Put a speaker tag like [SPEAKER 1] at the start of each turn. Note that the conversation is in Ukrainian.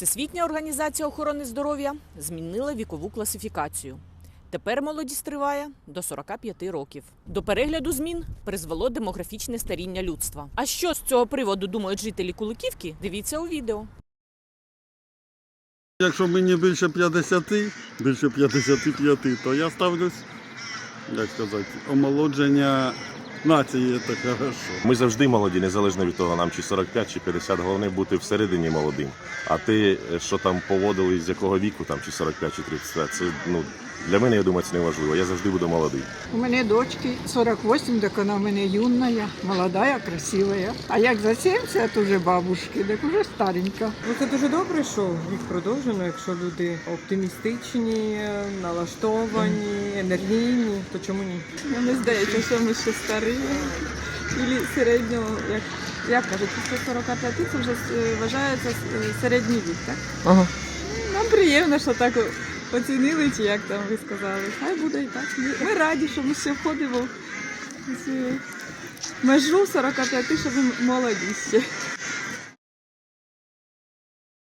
[SPEAKER 1] Всесвітня організація охорони здоров'я змінила вікову класифікацію. Тепер молодість триває до 45 років. До перегляду змін призвело демографічне старіння людства. А що з цього приводу думають жителі Куликівки? Дивіться у відео.
[SPEAKER 2] Якщо мені більше 50, більше 55, то я ставлюсь, як сказати, омолодження нації – це хорошо.
[SPEAKER 3] Ми завжди молоді, незалежно від того, нам чи 45, чи 50, головне бути всередині молодим. А ти, що там поводили, з якого віку, там, чи 45, чи 35, це, для мене, я думаю, це не важливо. Я завжди буду молодий.
[SPEAKER 4] У мене дочки 48, так вона в мене юная, молодая, красивая. А як за 70 уже бабушки, так уже старенька.
[SPEAKER 5] Це дуже добре, що їх продовжено, якщо люди оптимістичні, налаштовані, енергійні, то чому ні?
[SPEAKER 6] Мені здається, що ми ще старі. І середнього, як кажуть, після 45 це вже вважається середній вік, так?
[SPEAKER 5] Ага.
[SPEAKER 6] Нам приємно, що так оцінили, чи як там ви сказали. Хай буде і так. Ми раді, що ми ще входимо в цю межу 45, що ми молоді ще.